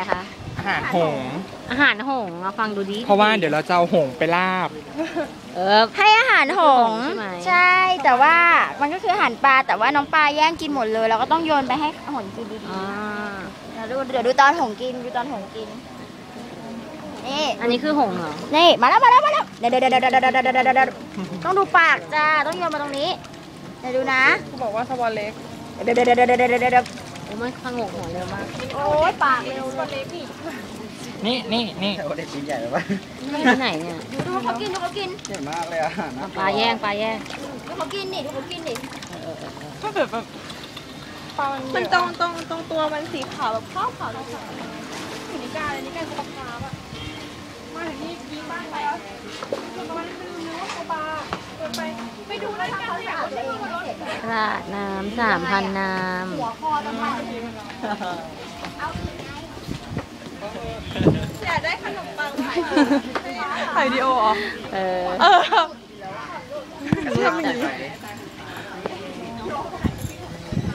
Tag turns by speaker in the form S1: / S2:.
S1: อะไรคะ
S2: อาหารหงส์
S1: อาหารหงส์ฟังดูดิ
S2: เพราะว่าเดี๋ยวเราจะเอาหงส์ไปลาบ
S3: ให้อาหารหงส์ใช่แต่ว่ามันก็คืออาหารปลาแต่ว่าน้องปลาแย่งกินหมดเลยเราก็ต้องโยนไปให้หงส์กินดีๆเดี๋ยวดูตอนหงส์กินดูตอนหงส์กินนี่
S1: อันนี้คือหงส์เหรอ
S3: นี่มาแล้วเดี๋ยวต้องดูปากจ้าต้องโยนมาตรงนี้เดี๋ยวดูนะ
S2: เขาบอกว่าสวอเล็ก
S3: เดี๋ยว
S1: โอ้มันขงกหัวเร็วมาก
S3: โอ้ยปากเร็วเล็ก
S2: นี่
S4: โอ้เด็กชิ้นใหญ่เลยปะ
S1: ที่ไหนเนี่ย
S3: ดูเขากิน
S4: ใหญ่มากเลยอ่ะ
S1: ปลาแย่ง
S3: ดูเขากินนี่ดูเขากินนี่
S2: ก็แบบ
S5: มันตรงตัวมันสีขาวแบบขาวเลยค่ะอยู่ในกาเลยนี่กาปลาแบบมาถึงนี่ยิงบ้านไปแล้วคือมันไม่รู้ว่าปลาเกินไปไปดูรายการเลยว่าจะดูรถ
S1: ราดน้ำ3,000 น้ำ
S3: หัวคอต้องมา
S5: อยากได้ขนมปังถ่ายวิดีโอเหรอ
S2: เออ
S5: ทำอย่างนี้